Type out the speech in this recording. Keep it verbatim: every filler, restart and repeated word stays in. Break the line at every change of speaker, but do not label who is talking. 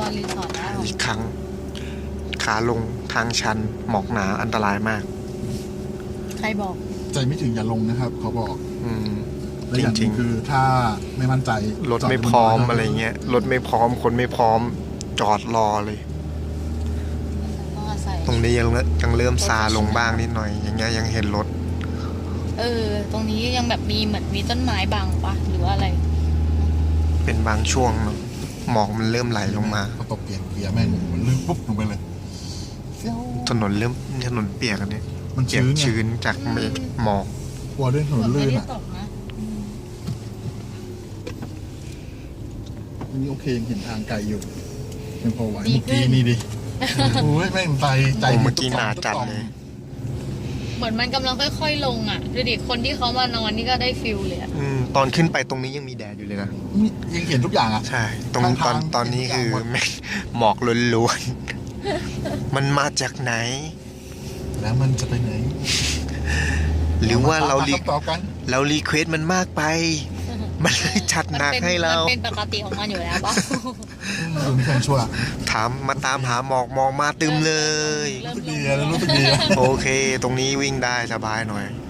อนรีสอร์ทได้หรอ
อีกครั้งขาลงทางชันหมอกหนาอันตรายมาก
ใครบอก
ใจไม่ถึงอย่าลงนะครับเขาบอก
อืม
และอย่างห
จริ
นึ่
ง
ง
ๆ
คือถ้าไม่มั่นใจ
รถไม่พร้อมอะไรเงี้ยรถไม่พร้อมคนไม่พร้อมจอดรอเลย
ต้องอาศัย
ตรงนี้ยังยังเริ่มซาลงบ้างนิดหน่อย อย่างเงี้ยยังเห็นรถ
เออ ตรงนี้ยังแบบมีเหมือนมีต้นไม้บังปะหรือว่าอะไร
เป็นบางช่วงเนอะหมอกมันเริ่มไหลลงมา
พอตกเปลี่ยนเกียร์แม่งมันลื่นปุ๊บลงไปเลย
ถนนเริ่มถนนเปียกอันนี้
มัน
เปียก
ชื้นไง
ชื้นจากเมฆหมอก
กลัวเรื่องถนน
ไม่
ลื่น
ได้
อ่ะ
ตกนะอืม
อันนี้โอเคยังเห็นทางไกลอยู่ยังพอไหวเมื่อกี้นี่ดิโอ้ยแม่งใจใจ
โอ้เมื่อกี้หนาจัดเลย
เหมือนมันกำลังค่อยๆลงอ่ะดูดิคนที่เขามานอนนี่ก็ได้ฟิลเลยอ่ะ
อืมตอนขึ้นไปตรงนี้ยังมีแดดอยู่เลยนะ
นี่ยังเห็นทุกอย่างอ่ะ
ใช่ ตรง
ทาง
ตอน
ทาง
ตอนนี้คือ
เห็นทุกอย่างหมด
แม่งหมอกล้วนๆ มันมาจากไหน
แล้วมันจะไปไหน
หรือว่าเรารี
คำตอบกัน
เรารีเควสมันมากไป มันเลยจัดหนัก
มันเป็น
ให้เรา
มันเป็นปกติของมันอยู่แล้วปะ
ดูนี่แฟนชั่ว
ถามมาตามหาหมอกหมอกมาตึมเลย
เริ่
รู้
ม
สึก
ล
ดี
ง
แล้วรู้สึกดีอะ
โอเค ตรงนี้วิ่งได้สบายหน่อย